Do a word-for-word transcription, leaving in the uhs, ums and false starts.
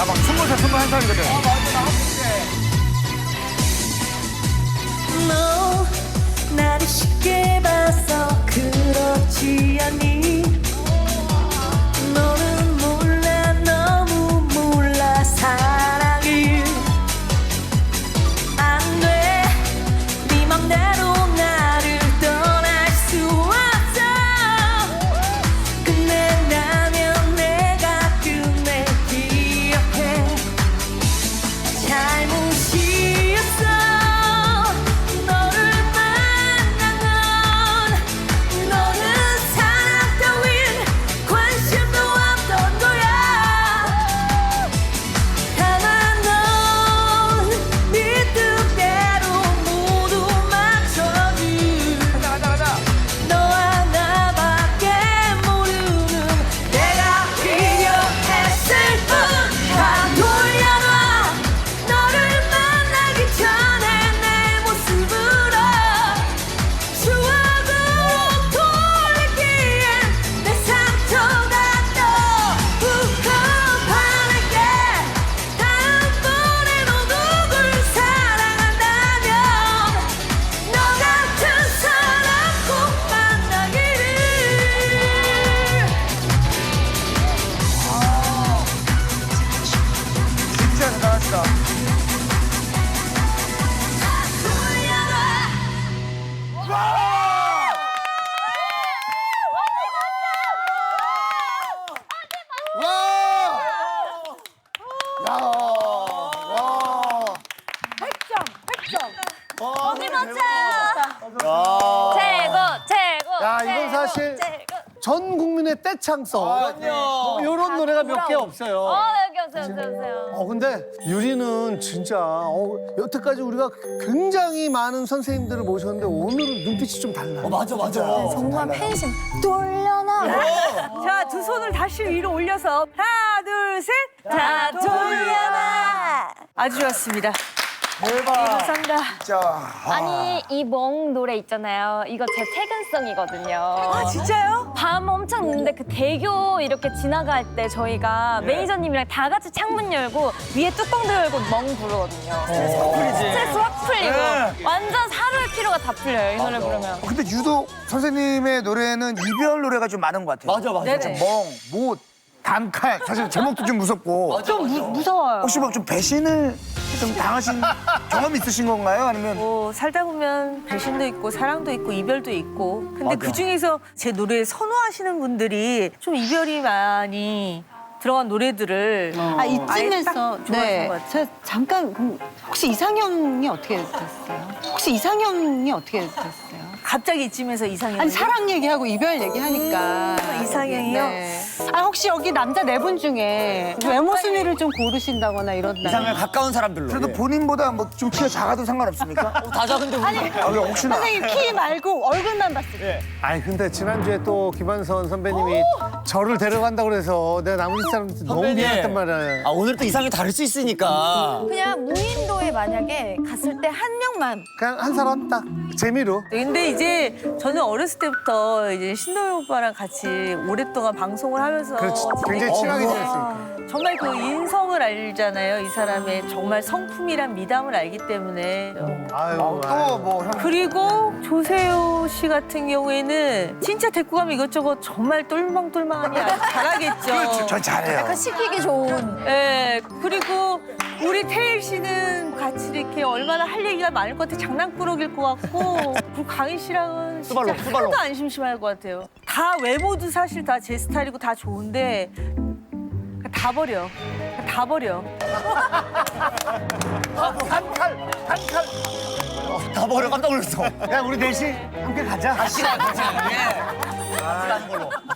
나 막 스무 살, 스물한 살이거든. 어, 맞아, 나 한국에. 너 나를 쉽게 봐서 그렇지 않니? 너는 몰라 너무 몰라 사랑을 안 돼 네 맘대로 나를 떠날 수 없어 끝낸다면 내가 끝내 기억해 잘못이었어 너를 만난 건 너는 사랑 따윈 관심도 없던 거야 다만 넌 네 뜻대로 모두 맞춰줄 가자, 가자, 가자. 너 하나밖에 모르는 내가 필요했을 뿐 다 돌려놔 너를 만나기 전에 내 모습으로 추억으로 돌리기엔 내 상처가 더 부끄러워할게 다음번에 너 누굴 사랑한다면 너 같은 사람 꼭 만나기를 진짜 대단하시다. 와! 야, 와. 백 점, 백 점. 거기 맞춰. 야. 최고, 최고. 야, 이건 최고, 사실 최고. 전 국민의 떼창송. 그럼요. 이런 노래가 몇 개 어, 없어요. 여기 오세요, 오세요, 오세요. 어, 근데 유리는 진짜 어, 여태까지 우리가 굉장히 많은 선생님들을 모셨는데 오늘은 눈빛이 좀 달라. 어, 맞아, 맞아. 정말 팬심 돌려놔. 자, 두 손을 다시 위로 올려서 하나, 둘, 셋. 다 돌려놔. 아주 좋았습니다. 대박. 감사합니다. 진짜. 아. 아니, 이 멍 노래 있잖아요. 이거 제 퇴근성이거든요. 아, 진짜요? 밤 엄청 늦는데 그 대교 이렇게 지나갈 때 저희가 매니저님이랑 다 같이 창문 열고 위에 뚜껑도 열고 멍 부르거든요. 스트레스 확 풀리지. 스트레스 확 풀리고 네. 완전 하루의 피로가 다 풀려요, 이 노래 부르면. 근데 유독 선생님의 노래는 이별 노래가 좀 많은 것 같아요. 맞아, 맞아. 네네. 멍, 못, 단칼. 사실 제목도 좀 무섭고. 좀 무, 무서워요. 혹시 뭐 좀 배신을 좀 당하신 경험 있으신 건가요? 아니면 뭐 살다 보면 배신도 있고 사랑도 있고 이별도 있고 근데 맞아. 그 중에서 제 노래 선호하시는 분들이 좀 이별이 많이 들어간 노래들을 아 아예 이쯤에서 딱 좋아하는 네, 것 같아요. 저 잠깐 그럼 혹시 이상형이 어떻게 됐어요? 혹시 이상형이 어떻게 됐어요? 갑자기 이쯤에서 이상형 아니 사랑 얘기하고 이별 얘기하니까 음, 이상형이요? 네. 아 혹시 여기 남자 네 분 중에 외모 순위를 좀 고르신다거나 이런다. 이상에 가까운 사람들로. 그래도 본인보다 뭐 좀 키가 작아도 상관없습니까? 다 작은데 우리. 아, 왜 혹시나. 선생님 키 말고 얼굴만 봤을 때. 아니 근데 지난주에 또 김한선 선배님이 저를 데려간다고 그래서 내가 나머지 사람한테 너무 선배님. 미안했단 말이야. 아, 오늘 또 이상이 다를 수 있으니까. 그냥 무인도에 만약에 갔을 때 한 명만 그냥 한 사람 딱 재미로. 근데 이제 저는 어렸을 때부터 이제 신동엽 오빠랑 같이 오랫동안 방송을 하면서 그렇지. 굉장히 친하게 지냈으니까. 정말 그 인성을 알잖아요. 이 사람의 정말 성품이란 미담을 알기 때문에. 아유, 또 아유. 뭐 형. 그리고 조세호 씨 같은 경우에는 진짜 데리고 가면 이것저것 정말 똘망똘망하니 아주 잘하겠죠. 그렇죠. 전 잘해요. 시키기 좋은. 예, 그리고 우리 태일 씨는 같이 이렇게 얼마나 할 얘기가 많을 것 같아. 장난꾸러기일 것 같고. 그리고 강희 씨랑은 진짜 수발로, 수발로. 하나도 안 심심할 것 같아요. 다 외모도 사실 다 제 스타일이고 다 좋은데 다 버려. 다 버려. 단칼, 단칼. 다 버려 깜짝 놀랐어. 야 우리 넷이 함께 가자. 같이 가, 같이 가. 예. 같이 가는 걸로.